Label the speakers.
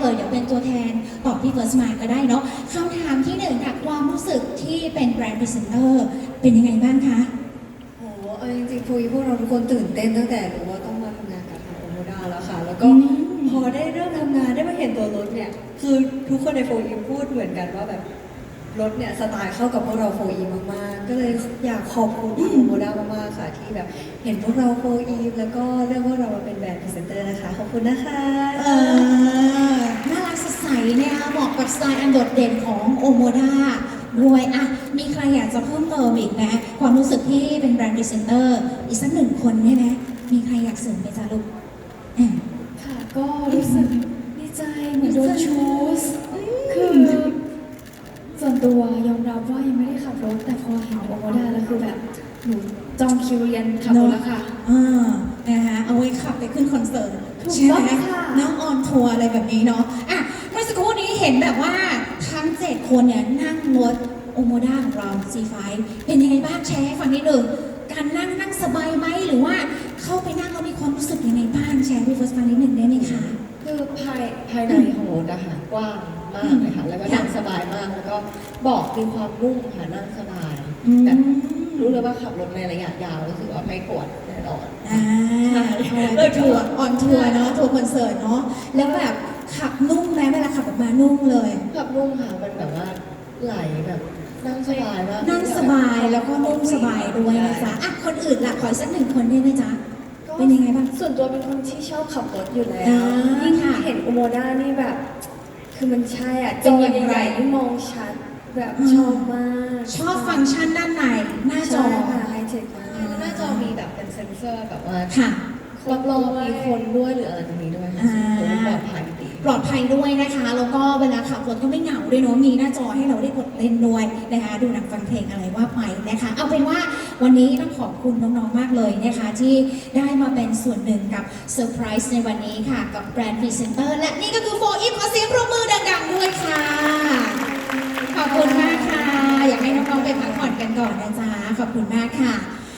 Speaker 1: เดี๋ยวเป็นตัวแทนตอบพี่เฟิร์สมาก็ได้เนาะคำถามที่หนึ่งค่ะความรู้สึกที่เป็นแบรนด์พรีเซนเตอร์เป็นยังไงบ้างคะ
Speaker 2: โอ้เอาจริงๆพวกเราทุกคนตื่นเต้นตั้งแต่รู้ว่าต้องมาทำงานกับทางโอโมดาแล้วค่ะ แล้วก็พอได้เริ่มทำงานได้มาเห็นตัวรถเนี่ย คือทุกคนในโฟอีพูดเหมือนกันว่าแบบรถเนี่ยสไตล์เข้ากับพวกเราโฟอีมากๆ ก็เลยอยากขอบคุณทางโอโมดามากๆค่ะที่แบบเห็นพวกเราโฟอีแล้วก็เลือกพวกเรามาเป็นแบรนด์พรีเซนเตอร์นะคะ ขอบคุณนะคะ
Speaker 1: น่ารักสดใสเนี่ยเหมาะกับสไตล์อันโดดเด่นของโอโมดาด้วยอ่ะมีใครอยากจะเพิ่มเติมอีกไหมความรู้สึกที่เป็นแบรนด์พรีเซนเตอร์อีกสักหนึ่งคนได้ไหมมีใครอยากเสริมไหมจ๊ะลูกอ่ะ
Speaker 3: ค่ะก็รู้สึกดีใจเหมือนโดนชูสคือส่วนตัวยอมรับว่ายังไม่ได้ขับรถแต่พอเห็นโอโมดาแล้วคือแบบหนูจองคิวเรียนขับรถแล้วค่ะ
Speaker 1: นะคะเอาไว้ขับไปขึ้นคอนเสิร์ต
Speaker 3: ถูก
Speaker 1: ใช่ไหม
Speaker 3: ต้องค่ะ
Speaker 1: น้องออนทัวร์อะไรแบบนี้เนาะอ่ะเมื่อสักครู่นี้เห็นแบบว่าทั้ง7คนเนี่ยนั่งรถโอโมด้าของเรา C5 เป็นยังไงบ้างแชร์ให้ฟังนิดหนึ่งการนั่งสบายไหมหรือว่าเข้าไปนั่งแล้วมีความรู้สึกยังไงบ้างแชร์ให้เฟิร์สฟังนิดหนึ่งได้ไหมคะ
Speaker 4: คือภายในของรถอะค่ะกว้างมากเลยค่ะ แล้วก็นั่งสบายมาก แล้วก็เบาะมีความนุ่มค่ะนั่งสบายแบบรู้เลยว่าขับรถในระยะยาวรู้สึกว่าไม่ปวดแน่นอน
Speaker 1: เลยทัวร์ออนทัวร์เนาะทัวร์คอนเสิร์ตเนาะแล้วแบบขับนุ่มไหมเวลาขับออกมานุ่มเลย
Speaker 4: ขับนุ่มค่ะมันแบบว่าไหลแบบนั่งสบายมาก
Speaker 1: นั่งสบายแล้วก็นุ่มสบายด้วยนะจ๊ะอ่ะคนอื่นล่ะขออีกสักหนึ่งคนได้ไหมจ๊ะเป็นยังไงบ้าง
Speaker 2: ส่วนตัวเป็นคนที่ชอบขับรถอยู่แล้ว
Speaker 1: อ่า
Speaker 2: ยิ่ง
Speaker 1: ค่ะ
Speaker 2: เห็นโอโมด้านี่แบบ คือมันใช่อ่ะ
Speaker 1: เป็
Speaker 2: จ
Speaker 1: น
Speaker 2: อ
Speaker 1: อย่างไร
Speaker 2: ใหญ่ๆที่มองชัดแบบชอบมาก
Speaker 1: ชอบฟังก์ชันด้านในหน้าจอ
Speaker 2: ใช่ค่ะไฮเทคมาก
Speaker 4: หน้าจอมีแบบเป็นเซ็นเซอร์แบบว่า
Speaker 1: ค่ะ
Speaker 4: รอบๆมีคนด้วยหรืออะไรตรงนี้ด้วยค่ะ
Speaker 1: อ่า
Speaker 4: ซึ่งปลอดภัยดี
Speaker 1: ปลอดภัยด้วยนะคะ แล้วก็เวลาขับรถก็ไม่เหงาด้วยเนาะมีหน้าจอให้เราได้กดเล่นด้วยนะคะดูหนังฟังเพลงอะไรว่าไปนะคะ เอาเป็นว่าวันนี้ต้องขอบคุณน้องๆมากเลยนะคะ ที่ได้มาเป็นส่วนหนึ่งกับเซอร์ไพรส์ในวันนี้ค่ะ กับแบรนด์พรีเซนเตอร์และนี่ก็คือโฟอีฟขอเสียงปรบมือดังๆด้วยค่ะ ขอบคุณมากค่ะ อยากให้น้องๆไปพักผ่อนกันก่อนนะจ๊ะขอบคุณมากค่ะ